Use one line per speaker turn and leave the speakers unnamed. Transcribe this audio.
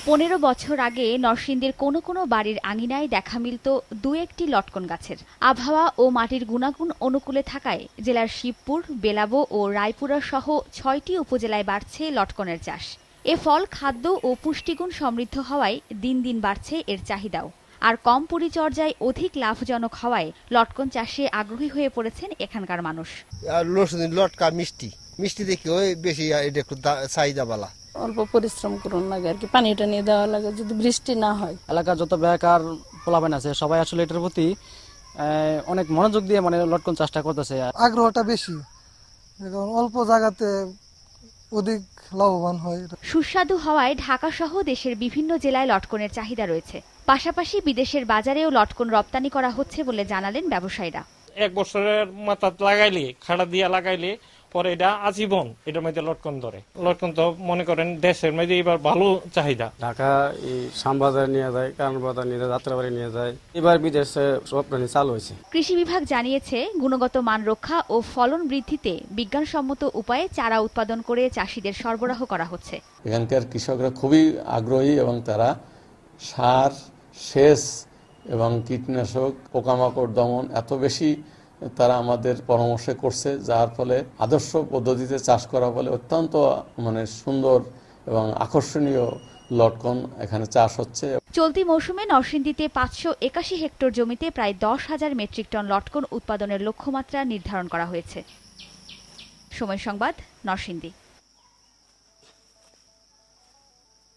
15 বছর আগে নরসিংদীর কোনো কোনো বাড়ির আঙিনায় দেখা মিলত দু একটি লটকন গাছের। আবহাওয়া ও মাটির গুণাগুণ অনুকূলে থাকায় জেলার শিবপুর, বেলাবো ও রায়পুরা সহ 6টি উপজেলায় বাড়ছে লটকনের চাষ। এ ফল খাদ্য ও পুষ্টিগুণ সমৃদ্ধ হওয়ায় দিন দিন বাড়ছে এর চাহিদাও। আর কম পরিচর্যায় অধিক লাভজনক হওয়ায় লটকন চাষে আগ্রহী হয়ে পড়েছেন এখানকার মানুষ।
লটকা মিষ্টি মিষ্টি দেখি ওই বেশি এটা একটু চাহিদা বালা।
অল্প পরিশ্রম করুন লাগে আর কি, পানিটা নিয়ে দেওয়া লাগে যদি বৃষ্টি না হয়।
এলাকার যত বেকার পোলাপান আছে সবাই আসলে এটার প্রতি অনেক মনোযোগ দিয়ে লটকন চাষটা করতেছে।
আগ্রহটা বেশি, অল্প জায়গাতে অধিক লাভবান হয়।
সুস্বাদু হওয়ায় ঢাকা সহ দেশের বিভিন্ন জেলায় লটকনের চাহিদা রয়েছে। পাশাপাশি বিদেশের বাজারেও লটকন রপ্তানি করা হচ্ছে বলে জানালেন ব্যবসায়ীরা।
1 বছরের মাথা লাগাইলে, খাড়া দিয়া লাগাইলে পরে এটা আজীবন এটার মধ্যে লটকন ধরে। লটকন তো মনে করেন দেশের মধ্যে এবার ভালো চাহিদা।
ঢাকা শ্যামবাজার নিয়ে যায়, কারণ বাজার নিয়ে যায়, যাত্রাবাড়ি নিয়ে যায়। এবার বিদেশে রপ্তানি চালু হয়েছে।
কৃষি বিভাগ জানিয়েছে, গুণগত মান রক্ষা ও ফলন বৃদ্ধিতে বিজ্ঞানসম্মত উপায়ে চারা উৎপাদন করে চাষিদের সরবরাহ করা হচ্ছে।
এখানকার কৃষকরা খুবই আগ্রহী এবং তারা সার, সেচ এবং কীটনাশক, পোকামাকড় দমন এত বেশি তারা আমাদের পরামর্শ করছে, যার ফলে আদর্শ পদ্ধতিতে চাষ করা ফলে অত্যন্ত সুন্দর এবং আকর্ষণীয় লটকন এখানে চাষ হচ্ছে।
চলতি মৌসুমে নরসিংদীতে 581 হেক্টর জমিতে প্রায় 10,000 মেট্রিক টন লটকন উৎপাদনের লক্ষ্যমাত্রা নির্ধারণ করা হয়েছে। সময় সংবাদ, নরসিংদী।